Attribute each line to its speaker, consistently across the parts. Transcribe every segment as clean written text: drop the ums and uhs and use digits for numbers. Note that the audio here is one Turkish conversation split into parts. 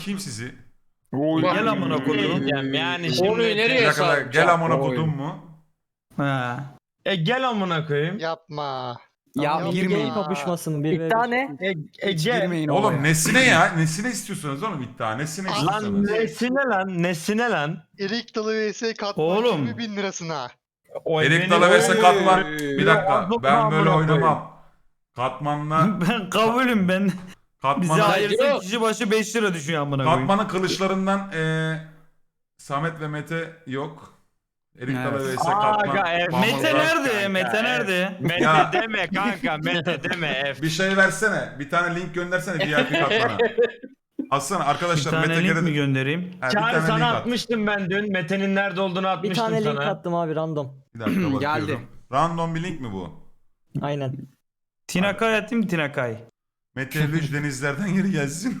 Speaker 1: Kim sizi?
Speaker 2: Oy.
Speaker 3: Gel amına koyayım.
Speaker 4: Yani
Speaker 1: Bir
Speaker 4: şimdi
Speaker 1: dakika,
Speaker 4: nereye
Speaker 1: gel
Speaker 4: saracağım?
Speaker 1: amına
Speaker 2: Oy.
Speaker 1: kodum mu?
Speaker 3: Ha.
Speaker 4: Gel amına koyayım.
Speaker 5: Yapma.
Speaker 2: Ya
Speaker 5: Yapma.
Speaker 2: girmeyin.
Speaker 6: kapışmasın. Bir
Speaker 7: İddia ne?
Speaker 2: Hiç
Speaker 4: Gel.
Speaker 2: girmeyin
Speaker 1: Oğlum
Speaker 2: olaya.
Speaker 1: nesine ya? Nesine istiyorsunuz oğlum iddia? Nesine
Speaker 4: Lan
Speaker 1: istiyorsunuz?
Speaker 4: nesine lan? Nesine lan?
Speaker 5: Erik dalı vs katman
Speaker 3: Oğlum.
Speaker 5: 20 bin lirasına.
Speaker 4: O
Speaker 1: Erik
Speaker 4: benim-
Speaker 1: Dalı vs
Speaker 2: Oy.
Speaker 1: Katman. Bir dakika,
Speaker 4: Ağzına
Speaker 1: ben böyle
Speaker 4: amına
Speaker 1: oynamam. Katmanla
Speaker 3: Ben kabulüm ben. Bize
Speaker 1: Katman'ın
Speaker 3: ayırsa
Speaker 4: Yok.
Speaker 3: kişi başı 5 lira düşüyor amına koyayım.
Speaker 1: Katman'ın kılıçlarından Samet ve Mete yok. Erik
Speaker 2: Evet.
Speaker 1: Dalı vs
Speaker 4: Aga,
Speaker 1: Katman.
Speaker 4: evet.
Speaker 3: Mete
Speaker 1: Mahmutlar.
Speaker 3: nerede? Mete nerede?
Speaker 4: Mete
Speaker 1: Ya.
Speaker 4: deme kanka, Mete deme.
Speaker 1: Bir şey versene. Bir tane link göndersene VIP Katman'a. Aslında
Speaker 3: Bir
Speaker 1: arkadaşlar
Speaker 3: tane
Speaker 1: Mete
Speaker 3: link mi
Speaker 1: Gerede...
Speaker 3: göndereyim?
Speaker 1: Ha, bir
Speaker 4: Çağrı
Speaker 1: tane
Speaker 4: sana
Speaker 1: link at.
Speaker 4: atmıştım ben dün. Mete'nin nerede olduğunu
Speaker 6: Bir
Speaker 4: atmıştım
Speaker 6: tane link
Speaker 4: sana.
Speaker 6: attım abi random.
Speaker 1: Bir dakika bakıyorum.
Speaker 2: Geldi.
Speaker 1: Random bir link mi bu?
Speaker 6: Aynen.
Speaker 3: Tinakay atayım Tinakay.
Speaker 1: Mete Lüj denizlerden geri gelsin.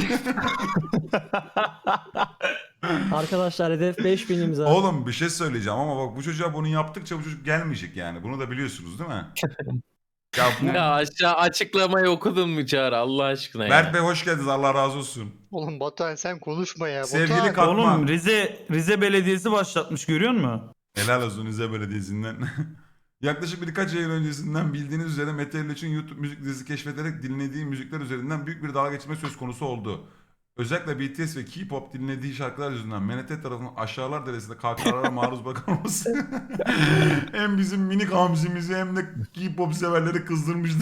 Speaker 6: Arkadaşlar hedef 5000 imza.
Speaker 1: Oğlum bir şey söyleyeceğim ama bak bu çocuğa bunu yaptıkça bu çocuk gelmeyecek yani. Bunu da biliyorsunuz değil mi? Ya bu...
Speaker 7: Ya aşağı açıklamayı okudun mu Çağrı Allah aşkına ya.
Speaker 1: Mert Bey hoş geldiniz. Allah razı olsun.
Speaker 5: Oğlum Batuhan sen konuşma ya.
Speaker 1: Sevgili
Speaker 5: Batuhan.
Speaker 1: Katman.
Speaker 3: Oğlum Rize Belediyesi başlatmış görüyor musun?
Speaker 1: Helal olsun Rize Belediyesi'nden. Yaklaşık birkaç ay öncesinden bildiğiniz üzere Mete Erliç'in YouTube müzik dizisi keşfederek dinlediği müzikler üzerinden büyük bir dalga geçme söz konusu oldu. Özellikle BTS ve K-pop dinlediği şarkılar yüzünden MNT tarafından aşağılar derecesinde kahkahalara maruz bırakılması hem bizim minik hamzimizi hem de K-pop severleri kızdırmıştı.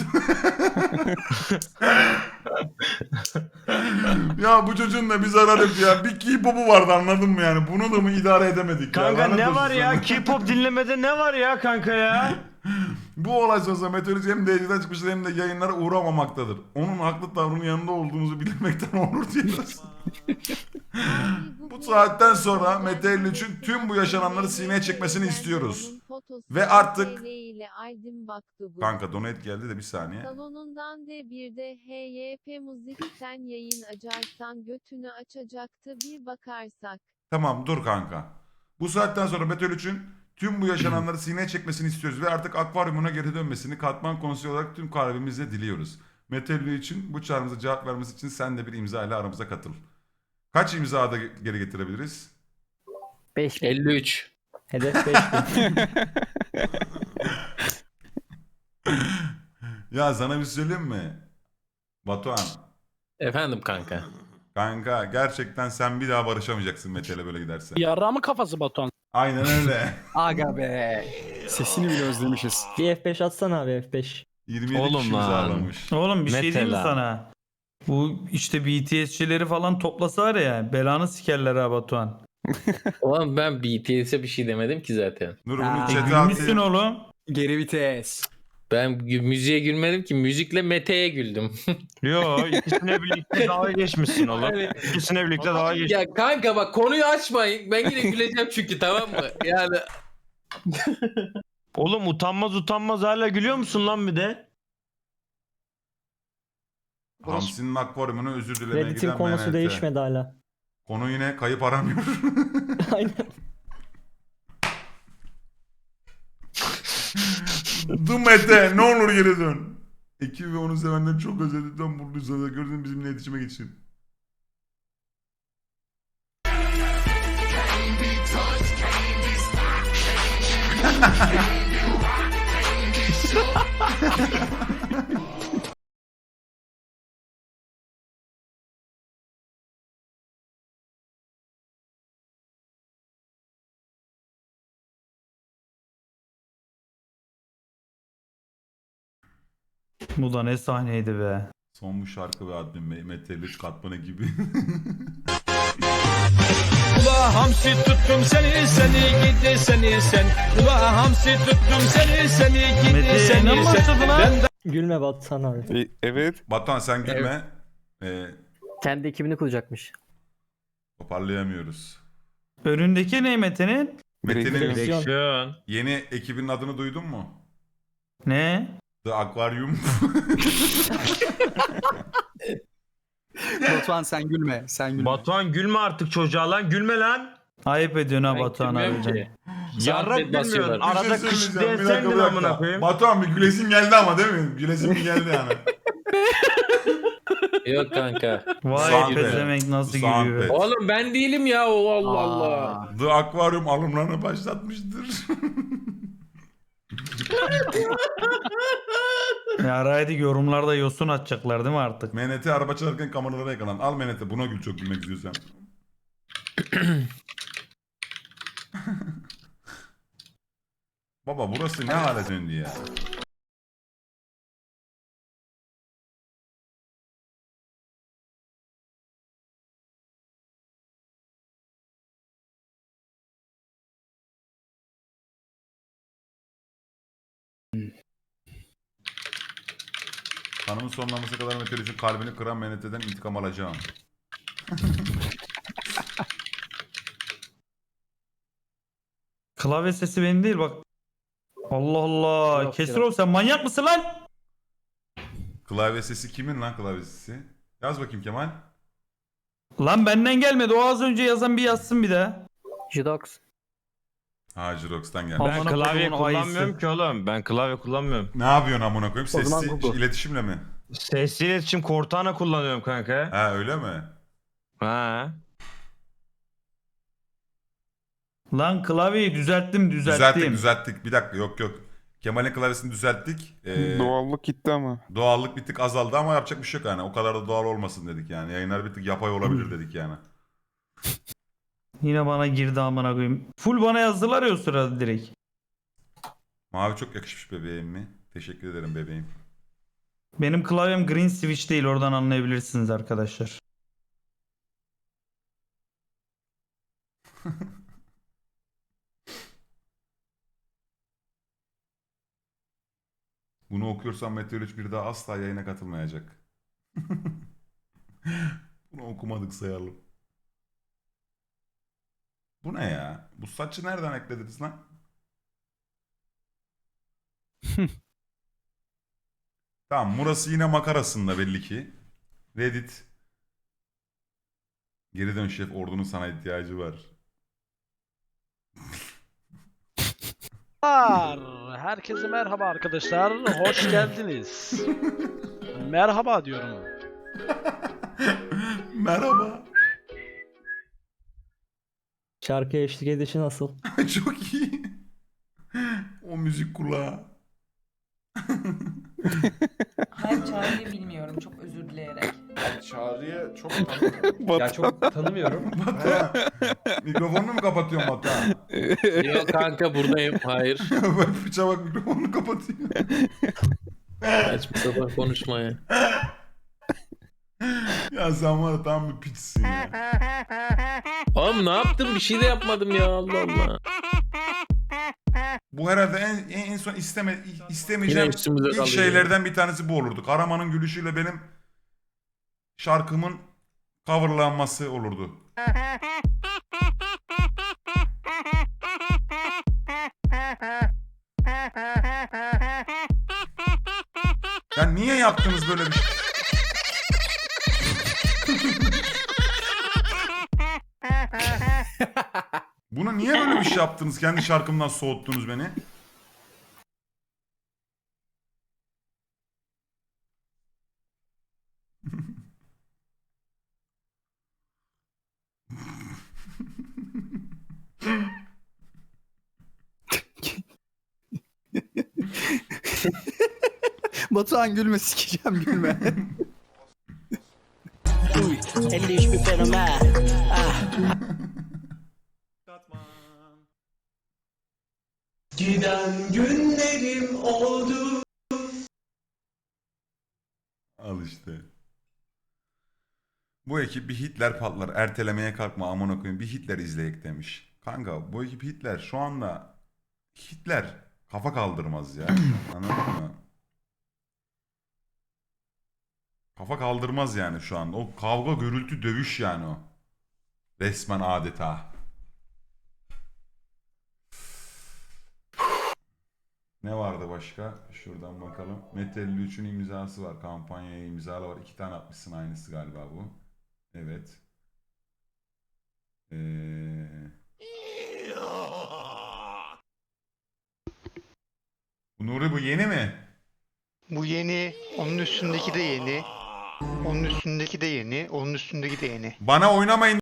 Speaker 1: Ya bu çocuğun da bir zararı yok ya. Bir K-pop'u vardı anladın mı yani? Bunu da mı idare edemedik
Speaker 4: Kanka
Speaker 1: ya? Lanet
Speaker 4: ne
Speaker 1: olsun
Speaker 4: var ya?
Speaker 1: sana.
Speaker 4: K-pop dinlemede ne var ya kanka ya?
Speaker 1: Bu olay sonrasında meteoroloji hem DC'den çıkmıştır hem de yayınlara uğramamaktadır. Onun haklı tavrının yanında olduğumuzu bilmekten onur duyuyoruz. Bu saatten sonra meteorolojinin tüm bu yaşananları sineye çekmesini istiyoruz. Ve artık... Kanka donate geldi de bir saniye.
Speaker 8: Salonundan D1'de HYP müzikten yayın açarsan götünü açacaktı bir bakarsak.
Speaker 1: Tamam dur kanka. Bu saatten sonra meteorolojinin tüm bu yaşananları sineye çekmesini istiyoruz ve artık akvaryumuna geri dönmesini Katman Konseyi olarak tüm kalbimizle diliyoruz. Meteoroloji için bu çağrımıza cevap vermesi için sen de bir imza ile aramıza katıl. Kaç imza da geri getirebiliriz?
Speaker 6: 5000.
Speaker 7: 53.
Speaker 6: Hedef 5000.
Speaker 1: Ya sana bir söyleyeyim mi? Batuhan.
Speaker 7: Efendim kanka.
Speaker 1: Kanka gerçekten sen bir daha barışamayacaksın Mete'yle böyle giderse.
Speaker 9: Yarrağımın kafası Batuhan.
Speaker 1: Aynen öyle.
Speaker 2: Aga be. Sesini bile özlemişiz.
Speaker 6: Bir F5 atsana abi F5.
Speaker 1: 27
Speaker 4: Oğlum
Speaker 1: kişi
Speaker 4: lan.
Speaker 1: imzalamış.
Speaker 3: Oğlum bir şey diyeyim mi
Speaker 4: Mesela.
Speaker 3: sana? Bu işte BTS'çileri falan toplasa var ya belanı sikerler ha Batuhan.
Speaker 7: Oğlum ben BTS'e bir şey demedim ki zaten.
Speaker 1: Dur
Speaker 2: Ha.
Speaker 1: bunu chat'e
Speaker 3: Gülmüşsün
Speaker 1: atayım.
Speaker 3: oğlum.
Speaker 2: Geri vites.
Speaker 7: Ben müziğe gülmedim ki müzikle Mete'ye güldüm.
Speaker 4: Yo ikisine birlikte dalga geçmişsin oğlum. İkisine birlikte dalga geç.
Speaker 7: Ya kanka bak konuyu açmayın. Ben yine güleceğim çünkü tamam mı? Yani
Speaker 4: Oğlum utanmaz hala gülüyor musun lan bir de?
Speaker 1: Hamsi'nin akvaryumuna özür dilemeye
Speaker 6: Reddit'in
Speaker 1: giden
Speaker 6: konusu
Speaker 1: MNT.
Speaker 6: değişmedi hala.
Speaker 1: Konu yine kayıp aramıyor.
Speaker 6: Aynen.
Speaker 1: Dur Mete ne olur geri dön. Ekibi ve onu sevenleri çok özledikten mutluyuz. Gördüğün bizimle iletişime geçin.
Speaker 3: Bu da ne sahneydi be.
Speaker 1: Son bu şarkı ve admin Mete Lüç Katmanı gibi.
Speaker 9: Ula hamsi tuttum seni gidi sen. Ula hamsi tuttum seni gidi
Speaker 3: Mete yayına mı başladı lan?
Speaker 6: Gülme Batuhan abi.
Speaker 2: Evet.
Speaker 1: Batuhan sen gülme.
Speaker 6: Kendi ekibini kuracakmış.
Speaker 1: Toparlayamıyoruz.
Speaker 3: Önündeki ne Mete'nin?
Speaker 1: Mete'nin
Speaker 6: Direksiyon.
Speaker 1: yeni ekibinin adını duydun mu?
Speaker 3: Ne?
Speaker 1: The Aquarium.
Speaker 2: Batuhan sen gülme. Sen gülme.
Speaker 4: Batuhan gülme artık çocuğa lan gülme lan.
Speaker 3: Ayıp ediyorsun ha
Speaker 7: ben
Speaker 3: Batuhan
Speaker 7: gülmüyorum
Speaker 3: abi.
Speaker 7: ki.
Speaker 4: Yarrak
Speaker 7: Zahmet
Speaker 4: gülmüyorsun.
Speaker 7: basıyorlar.
Speaker 4: Arada
Speaker 1: Bir şey
Speaker 4: kış
Speaker 1: söyleyeceğim,
Speaker 4: diye
Speaker 1: bir dakika,
Speaker 4: sendin
Speaker 1: bir dakika.
Speaker 4: amına koyayım.
Speaker 1: Batuhan bir gülesin geldi ama değil mi? Gülesin bir geldi yani.
Speaker 7: Yok kanka.
Speaker 3: Vay
Speaker 1: Soundpad.
Speaker 3: pezevenk nasıl
Speaker 1: Soundpad.
Speaker 3: gülüyor.
Speaker 7: Oğlum ben değilim ya o Allah Allah.
Speaker 1: The Aquarium alımlarını başlatmıştır.
Speaker 3: Ya Raydik yorumlarda yosun atacaklar değil mi artık?
Speaker 1: MNT araba çalarken kameralara yakalan. Al MNT buna gül, çok gülmek istiyorsan. Baba burası ne hale döndü ya? Kanımın sonlanması kadar meteorolojinin kalbini kıran MNT'den intikam alacağım.
Speaker 3: Klavye sesi benim değil bak. Allah Allah.
Speaker 6: Yok,
Speaker 3: Kesir
Speaker 6: yok.
Speaker 3: sen manyak mısın lan?
Speaker 1: Klavye sesi kimin lan klavye sesi? Yaz bakayım Kemal.
Speaker 3: Lan benden gelmedi. O az önce yazan bir yazsın bir daha.
Speaker 6: Jidox.
Speaker 1: Ha Jirox'tan geldi.
Speaker 3: Tamam.
Speaker 4: Ben
Speaker 3: Amına
Speaker 4: klavye
Speaker 3: kodumun ayısı.
Speaker 4: kullanmıyorum ki oğlum. Ben klavye kullanmıyorum.
Speaker 1: Ne yapıyorsun amına koyayım?
Speaker 6: O zaman
Speaker 1: Sesli
Speaker 6: Google.
Speaker 1: iletişimle mi?
Speaker 4: Sesli iletişim Cortana kullanıyorum kanka.
Speaker 1: Ha öyle mi?
Speaker 4: Ha.
Speaker 3: Lan klavyeyi düzelttim.
Speaker 1: Düzelttik. Bir dakika yok. Kemal'in klavyesini düzelttik.
Speaker 2: Doğallık gitti ama.
Speaker 1: Doğallık bir tık azaldı ama yapacak bir şey yok yani. O kadar da doğal olmasın dedik yani. Yayınlar bir tık yapay olabilir dedik yani.
Speaker 3: Yine bana girdi amına koyayım. Full bana yazdılar ya o sırada direkt.
Speaker 1: Mavi çok yakışmış bebeğim mi? Teşekkür ederim bebeğim.
Speaker 3: Benim klavyem green switch değil, oradan anlayabilirsiniz arkadaşlar.
Speaker 1: Bunu okuyorsam Meteor bir daha asla yayına katılmayacak. Bunu okumadık sayalım. Bu ne ya? Bu saçı nereden eklediniz lan? Tamam, burası yine makarasında belli ki. Reddit. Geri dön şef, ordunun sana ihtiyacı var.
Speaker 9: Herkese merhaba arkadaşlar. Hoş geldiniz. Merhaba diyorum.
Speaker 1: Merhaba.
Speaker 6: Şarkıya eşlik edişi nasıl?
Speaker 1: Çok iyi. O müzik kulağı.
Speaker 10: Hayır Çağrı'yı bilmiyorum çok özür dileyerek.
Speaker 11: Çağrı'yı çok
Speaker 2: Ya
Speaker 10: çok tanımıyorum.
Speaker 1: Batuhan. Mikrofonunu mu kapatıyorsun Batuhan?
Speaker 7: Yok kanka buradayım. Hayır.
Speaker 1: Bak fıça bak, mikrofonunu kapatıyor.
Speaker 7: Saçma sapan konuşma ya.
Speaker 1: Ya sen var ya tam bir piçsin ya.
Speaker 7: Oğlum ne yaptım? Bir şey de yapmadım ya Allah Allah.
Speaker 1: Bu herhalde en son istemeyeceğim
Speaker 7: Yine üstümüze
Speaker 1: ilk
Speaker 7: kalıyor.
Speaker 1: şeylerden bir tanesi bu olurdu. Karaman'ın gülüşüyle benim şarkımın coverlanması olurdu. Ya niye yaptınız böyle bir şey? Bunu niye böyle bir şey yaptınız? Kendi şarkımdan soğuttunuz beni.
Speaker 2: Batuhan gülme, sikeceğim gülme.
Speaker 6: 50 bir fenomen.
Speaker 9: Giden günlerim oldu.
Speaker 1: Al işte. Bu ekip bir Hitler patlar. Ertelemeye kalkma amına koyayım. Bir Hitler izleyek demiş. Kanka bu ekip Hitler şu anda Hitler kafa kaldırmaz ya. Anladın mı? Kafa kaldırmaz yani şu anda. O kavga, gürültü, dövüş yani o. Resmen adeta. Ne vardı başka? Şuradan bakalım. Mete 53'ün imzası var. Kampanyaya imzalı var. 2 tane atmışsın, aynısı galiba bu. Evet. Bu Nuri bu yeni mi?
Speaker 5: Bu yeni. Onun üstündeki de yeni. Onun üstündeki de yeni. Onun üstündeki de yeni.
Speaker 1: Bana oynamayın